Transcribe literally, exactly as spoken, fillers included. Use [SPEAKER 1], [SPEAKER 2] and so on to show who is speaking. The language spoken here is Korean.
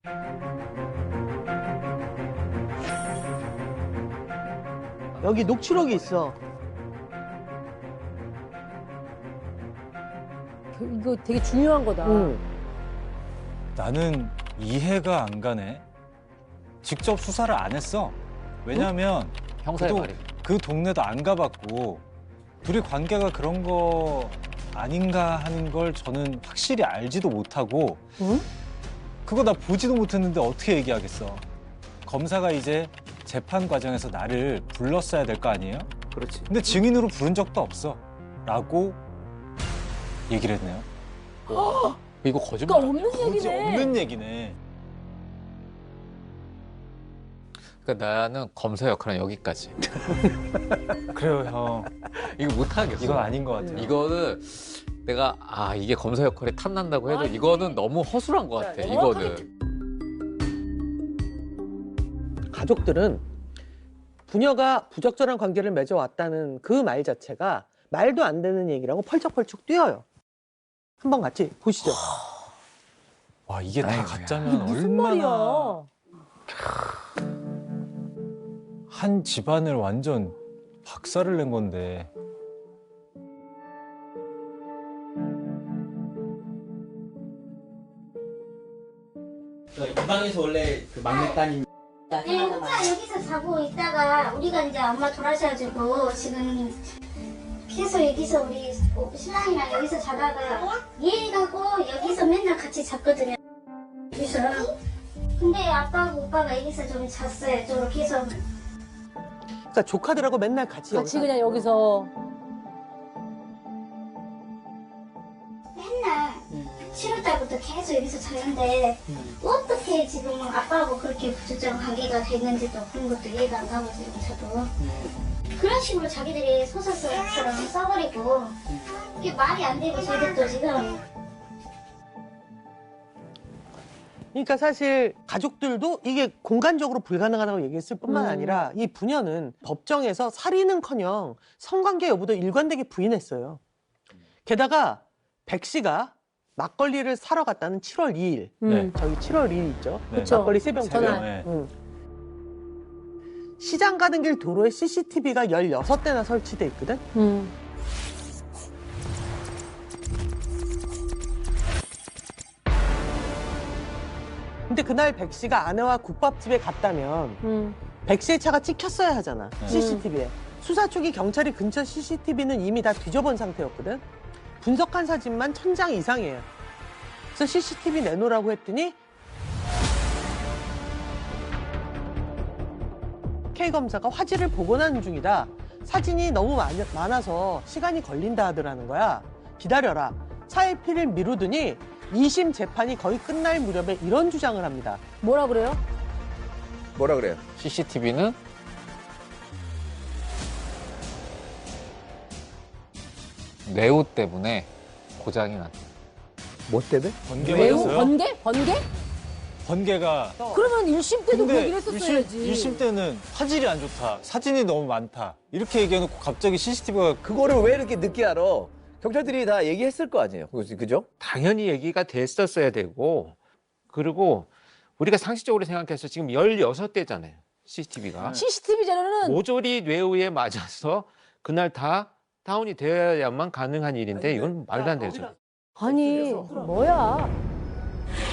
[SPEAKER 1] 여기 녹취록이 있어.
[SPEAKER 2] 이거 되게 중요한 거다.
[SPEAKER 1] 응.
[SPEAKER 3] 나는 이해가 안 가네. 직접 수사를 안 했어. 왜냐하면
[SPEAKER 4] 형사의
[SPEAKER 3] 그, 동-
[SPEAKER 4] 말이.
[SPEAKER 3] 그 동네도 안 가봤고 둘이 관계가 그런 거 아닌가 하는 걸 저는 확실히 알지도 못하고
[SPEAKER 1] 응?
[SPEAKER 3] 그거 나 보지도 못했는데 어떻게 얘기하겠어. 검사가 이제 재판 과정에서 나를 불렀어야 될 거 아니에요?
[SPEAKER 4] 그렇지.
[SPEAKER 3] 근데 증인으로 부른 적도 없어. 라고 얘기를 했네요.
[SPEAKER 4] 이거
[SPEAKER 2] 그러니까
[SPEAKER 4] 거짓말.
[SPEAKER 2] 없는
[SPEAKER 3] 거지
[SPEAKER 2] 얘기네.
[SPEAKER 3] 없는 얘기네.
[SPEAKER 4] 그러니까 나는 검사 역할은 여기까지.
[SPEAKER 3] 그래요, 형.
[SPEAKER 4] 이거 못하겠어.
[SPEAKER 3] 이건 아닌 것 같아요.
[SPEAKER 4] 이거는 내가 아 이게 검사 역할이 탐난다고 해도
[SPEAKER 2] 아니.
[SPEAKER 4] 이거는 너무 허술한 것 같아.
[SPEAKER 2] 정확하게
[SPEAKER 4] 이거는.
[SPEAKER 1] 가족들은 부녀가 부적절한 관계를 맺어왔다는 그 말 자체가 말도 안 되는 얘기라고 펄쩍펄쩍 뛰어요. 한번 같이 보시죠.
[SPEAKER 3] 와, 이게 다
[SPEAKER 4] 아이고야.
[SPEAKER 3] 가짜면
[SPEAKER 2] 이게 무슨
[SPEAKER 3] 얼마나
[SPEAKER 2] 말이야?
[SPEAKER 3] 한 집안을 완전 박살을 낸 건데.
[SPEAKER 5] 이 방에서 원래 그 막내 따님
[SPEAKER 6] 네, 혼자 여기서 자고 있다가 우리가 이제 엄마 돌아가셔가지고 지금 계속 여기서 우리 신랑이랑 여기서 자다가 얘하고 여기서 맨날 같이 잤거든요. 여기서. 근데 아빠하고 오빠가 여기서 좀 잤어요. 좀 계속.
[SPEAKER 1] 그러니까 조카들하고 맨날 같이
[SPEAKER 2] 같이
[SPEAKER 1] 여기서
[SPEAKER 2] 그냥 여기서.
[SPEAKER 6] 맨날 칠월달부터 계속 여기서 잤는데 어떻게 지금 아빠하고 그렇게 부적절한 관계가 됐는지도 그런 것도 이해가 안 가고 지금 저도 그런 식으로 자기들이 소설처럼 써버리고 이게 말이 안 되고 저희들도 지금
[SPEAKER 1] 그러니까 사실 가족들도 이게 공간적으로 불가능하다고 얘기했을 뿐만
[SPEAKER 2] 음.
[SPEAKER 1] 아니라 이 부녀는 법정에서 살인은커녕 성관계 여부도 일관되게 부인했어요. 게다가 백 씨가 막걸리를 사러 갔다는 칠월 이일,
[SPEAKER 2] 음.
[SPEAKER 1] 저기 칠월 이일 있죠?
[SPEAKER 3] 네.
[SPEAKER 2] 그쵸.
[SPEAKER 1] 막걸리 세병
[SPEAKER 2] 전화.
[SPEAKER 1] 전화.
[SPEAKER 3] 네.
[SPEAKER 1] 응. 시장 가는 길 도로에 씨씨티비가 열여섯 대나 설치돼 있거든?
[SPEAKER 2] 음.
[SPEAKER 1] 근데 그날 백 씨가 아내와 국밥집에 갔다면
[SPEAKER 2] 음.
[SPEAKER 1] 백 씨의 차가 찍혔어야 하잖아,
[SPEAKER 3] 네.
[SPEAKER 1] 씨씨티비에. 수사 초기 경찰이 근처 씨씨티비는 이미 다 뒤져본 상태였거든? 분석한 사진만 천 장 이상이에요. 그래서 씨씨티비 내놓으라고 했더니 K검사가 화질을 복원하는 중이다. 사진이 너무 많- 많아서 시간이 걸린다 하더라는 거야. 기다려라. 차의 피를 미루더니 이심 재판이 거의 끝날 무렵에 이런 주장을 합니다.
[SPEAKER 2] 뭐라 그래요?
[SPEAKER 7] 뭐라 그래요?
[SPEAKER 4] 씨씨티비는 뇌우 때문에 고장이 났다.
[SPEAKER 7] 뭐 때문에?
[SPEAKER 3] 번개
[SPEAKER 2] 매우
[SPEAKER 3] 맞았어요?
[SPEAKER 2] 번개? 번개?
[SPEAKER 3] 번개가.
[SPEAKER 2] 그러면 일 심 때도 그
[SPEAKER 3] 근데
[SPEAKER 2] 얘기를 했었어야지.
[SPEAKER 3] 일 심 때는 화질이 안 좋다. 사진이 너무 많다. 이렇게 얘기해놓고 갑자기 씨씨티비가
[SPEAKER 7] 그거를 왜 이렇게 늦게 알아? 경찰들이 다 얘기했을 거 아니에요. 그지- 그죠?
[SPEAKER 8] 당연히 얘기가 됐었어야 되고, 그리고 우리가 상식적으로 생각해서 지금 열여섯 대잖아요, 씨씨티비가.
[SPEAKER 2] 씨씨티비 자료는
[SPEAKER 8] 모조리 뇌우에 맞아서 그날 다 다운이 되어야만 가능한 일인데 이건 말도 안 되죠.
[SPEAKER 2] 아니 뭐야?